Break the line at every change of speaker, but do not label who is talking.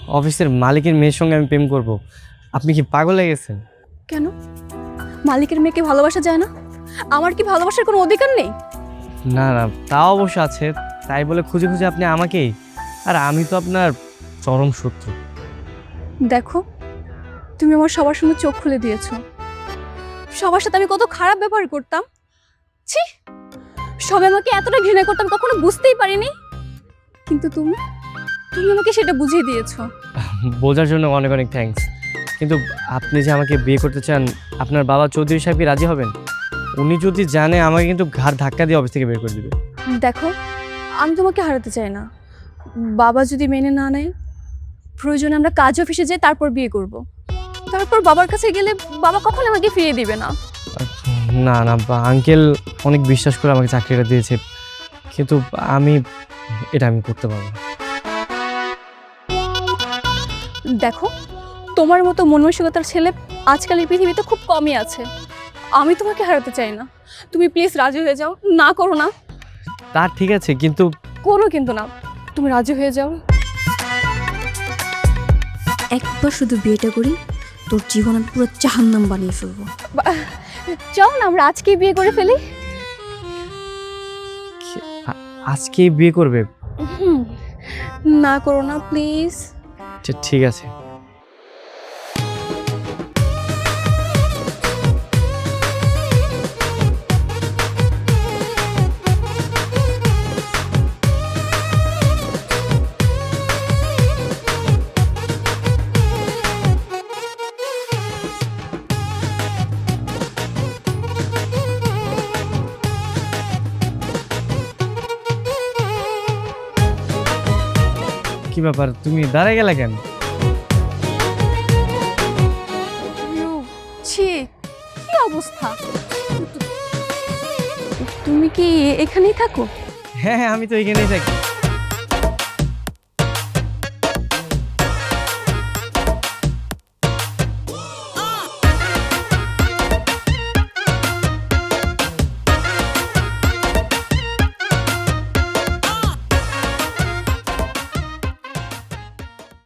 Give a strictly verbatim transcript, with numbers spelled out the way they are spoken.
অফিসের মালিকের মেয়ের সঙ্গে আমি প্রেম করব? আপনি কি পাগল হয়ে গেছেন?
কেন? মালিকের মেয়েকে ভালোবাসা যায় না? আমার কি ভালোবাসার কোনো অধিকার নেই?
না না, তা অবশ্য আছে, তাই বলে খুঁজে খুঁজে আপনি আমাকেই? আর আমি তো আপনার চরম শত্রু।
দেখো, তুমি আমার সবার সঙ্গে চোখ খুলে দিয়েছো। সবার সাথে আমি কত খারাপ ব্যবহার করতাম। ছি, সবাই আমাকে এতটা ঘৃণা করতাম কখনো বুঝতেই পারিনি। কিন্তু তুমি তুমি আমাকে সেটা বুঝিয়ে দিয়েছো।
বোঝার জন্য অনেক অনেক থ্যাঙ্কস। কিন্তু আপনি যে আমাকে বিয়ে করতে চান, আপনার বাবা চৌধুরী সাহেব কি রাজি হবেন? উনি যদি জানে আমাকে কিন্তু ঘাড় ধাক্কা দিয়ে অফিস থেকে বের করে দেবে।
দেখো, আমি তোমাকে হারাতে চাই না। বাবা যদি মেনে না নেয়, প্রয়োজনে আমরা কাজ অফিসে যাই, তারপর বিয়ে করব। তারপর বাবার কাছে গেলে বাবা কখনো আমাকে ফিরিয়ে দিবে না।
না না, আঙ্কেল অনেক বিশ্বাস করে আমাকে চাকরিটা দিয়েছে, কিন্তু আমি এটা আমি করতে পারবো না।
দেখো, তোমার মতো মন মানসিকতার ছেলে আজকালের পৃথিবীতে খুব কমই আছে। আমি তোমাকে হারাতে চাই না। তুমি প্লিজ রাজি হয়ে যাও। না করো না।
তা ঠিক আছে, কিন্তু
কোনো কিন্তু না, তুমি রাজি হয়ে যাও।
একবার শুধু বিয়েটা করি, তোর জীবন আমি পুরো জাহান্নাম বানিয়ে ফেলবো।
চল না আমরা আজকেই বিয়ে করে ফেলি।
আ- আজকেই বিয়ে করবে?
হুম, না করো না প্লিজ।
আচ্ছা, ঠিক আছে। কি ব্যাপার, তুমি দাঁড়ায় গেলে কেন?
ছি, কি অবস্থা! তুমি কি এখানেই থাকো?
হ্যাঁ হ্যাঁ, আমি তো এখানেই থাকি।